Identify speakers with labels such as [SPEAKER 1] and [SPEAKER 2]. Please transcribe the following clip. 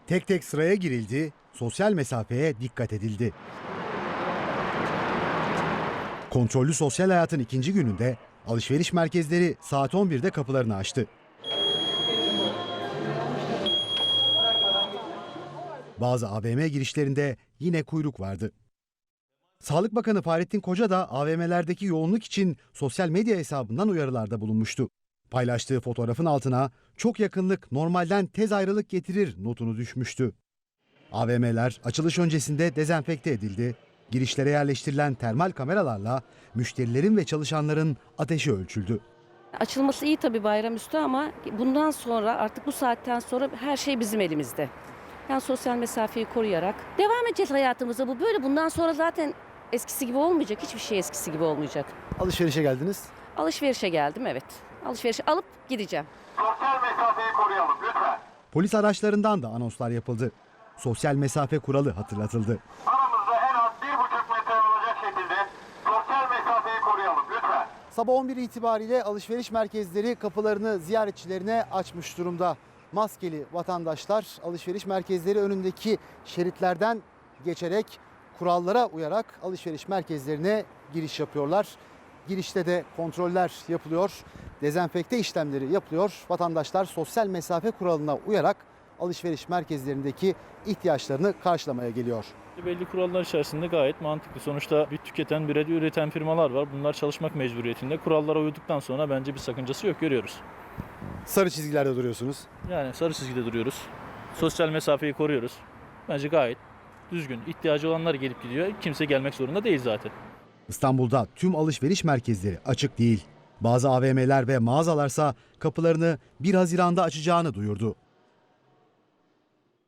[SPEAKER 1] Tek tek sıraya girildi, sosyal mesafeye dikkat edildi. Kontrollü sosyal hayatın ikinci gününde alışveriş merkezleri saat 11'de kapılarını açtı. Bazı AVM girişlerinde yine kuyruk vardı. Sağlık Bakanı Fahrettin Koca da AVM'lerdeki yoğunluk için sosyal medya hesabından uyarılarda bulunmuştu. Paylaştığı fotoğrafın altına "çok yakınlık normalden tez ayrılık getirir" notunu düşmüştü. AVM'ler açılış öncesinde dezenfekte edildi. Girişlere yerleştirilen termal kameralarla müşterilerin ve çalışanların ateşi ölçüldü.
[SPEAKER 2] Açılması iyi tabii bayramüstü ama bundan sonra artık bu saatten sonra her şey bizim elimizde. Yani sosyal mesafeyi koruyarak devam edeceğiz hayatımıza. Bu böyle, bundan sonra zaten eskisi gibi olmayacak. Hiçbir şey eskisi gibi olmayacak.
[SPEAKER 1] Alışverişe geldiniz.
[SPEAKER 2] Alışverişe geldim, evet. Alışverişi alıp gideceğim.
[SPEAKER 3] Sosyal mesafeyi koruyalım lütfen.
[SPEAKER 1] Polis araçlarından da anonslar yapıldı. Sosyal mesafe kuralı hatırlatıldı.
[SPEAKER 3] Aramızda en az 1,5 metre olacak şekilde sosyal mesafeyi koruyalım lütfen.
[SPEAKER 1] Sabah 11 itibariyle alışveriş merkezleri kapılarını ziyaretçilerine açmış durumda. Maskeli vatandaşlar alışveriş merkezleri önündeki şeritlerden geçerek kurallara uyarak alışveriş merkezlerine giriş yapıyorlar. Girişte de kontroller yapılıyor, dezenfekte işlemleri yapılıyor. Vatandaşlar sosyal mesafe kuralına uyarak alışveriş merkezlerindeki ihtiyaçlarını karşılamaya geliyor.
[SPEAKER 4] Belli kurallar içerisinde gayet mantıklı. Sonuçta bir tüketen, bir de üreten firmalar var. Bunlar çalışmak mecburiyetinde. Kurallara uyduktan sonra bence bir sakıncası yok, görüyoruz.
[SPEAKER 1] Sarı çizgilerde duruyorsunuz.
[SPEAKER 4] Yani sarı çizgide duruyoruz. Sosyal mesafeyi koruyoruz. Bence gayet düzgün. İhtiyacı olanlar gelip gidiyor. Kimse gelmek zorunda değil zaten.
[SPEAKER 1] İstanbul'da tüm alışveriş merkezleri açık değil. Bazı AVM'ler ve mağazalarsa kapılarını 1 Haziran'da açacağını duyurdu.